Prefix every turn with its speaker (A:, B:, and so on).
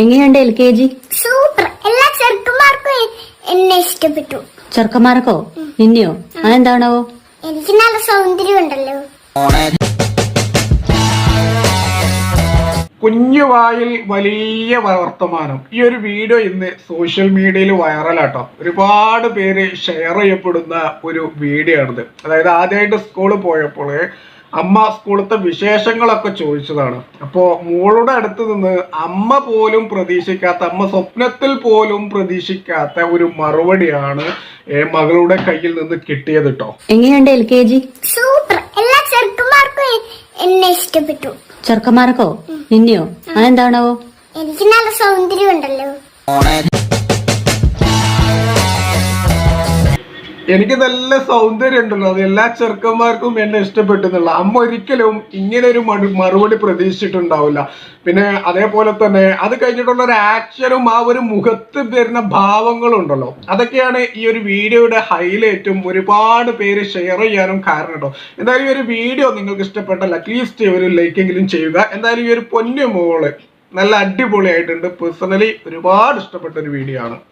A: എങ്ങനെയുണ്ട് LKG?
B: Super. എല്ലാ ചെറുക്കന്മാർക്കും എന്നെ ഇഷ്ടപ്പെട്ടു.
A: ചെറുക്കന്മാർക്കോ? നിന്നെയോ? അതെന്താണോ?
B: എനിക്ക് നല്ല സൗന്ദര്യം ഉണ്ടല്ലോ.
C: കുഞ്ഞു വായിൽ വലിയ വർത്തമാനം. ഈ ഒരു വീഡിയോ ഇന്ന് സോഷ്യൽ മീഡിയയിൽ വൈറലാട്ടോ. ഒരുപാട് പേര് ഷെയർ ചെയ്യപ്പെടുന്ന ഒരു വീഡിയോ ആണിത്. അതായത് ആദ്യമായിട്ട് സ്കൂളിൽ പോയപ്പോൾ അമ്മ സ്കൂളത്തെ വിശേഷങ്ങളൊക്കെ ചോദിച്ചതാണ്. അപ്പോൾ മോളുടെ അടുത്ത് നിന്ന് അമ്മ പോലും പ്രതീക്ഷിക്കാത്ത, അമ്മ സ്വപ്നത്തിൽ പോലും പ്രതീക്ഷിക്കാത്ത ഒരു മറുപടിയാണ് മകളുടെ കയ്യിൽ നിന്ന് കിട്ടിയത് കേട്ടോ.
A: എങ്ങനെയുണ്ട് LKG?
B: സൂപ്പർ. എല്ലാ ചെറുക്കന്മാർക്കും എന്നെ ഇഷ്ടപ്പെട്ടു.
A: ചെറുക്കന്മാർക്കോ? നിന്നെയോ? അതെന്താണോ?
B: എനിക്ക് നല്ല സൗന്ദര്യം ഉണ്ടല്ലോ.
C: എനിക്ക് നല്ല സൗന്ദര്യം ഉണ്ടല്ലോ, അത് എല്ലാ ചെറുക്കന്മാർക്കും എന്നെ ഇഷ്ടപ്പെട്ടെന്നുള്ള അമ്മ ഒരിക്കലും ഇങ്ങനെ ഒരു മറുപടി പ്രതീക്ഷിച്ചിട്ടുണ്ടാവില്ല. പിന്നെ അതേപോലെ തന്നെ അത് കഴിഞ്ഞിട്ടുള്ള ഒരു ആക്ഷനും ആ ഒരു മുഖത്ത് വരുന്ന ഭാവങ്ങളും ഉണ്ടല്ലോ, അതൊക്കെയാണ് ഈ ഒരു വീഡിയോയുടെ ഹൈലൈറ്റും ഒരുപാട് പേര് ഷെയർ ചെയ്യാനും കാരണം കേട്ടോ. എന്തായാലും ഈ ഒരു വീഡിയോ നിങ്ങൾക്ക് ഇഷ്ടപ്പെട്ടാൽ അറ്റ്ലീസ്റ്റ് ഒരു ലൈക്കെങ്കിലും ചെയ്യുക. എന്തായാലും ഈ ഒരു പൊന്നു മോള് നല്ല അടിപൊളിയായിട്ടുണ്ട്. പേഴ്സണലി ഒരുപാട് ഇഷ്ടപ്പെട്ട ഒരു വീഡിയോ ആണ്.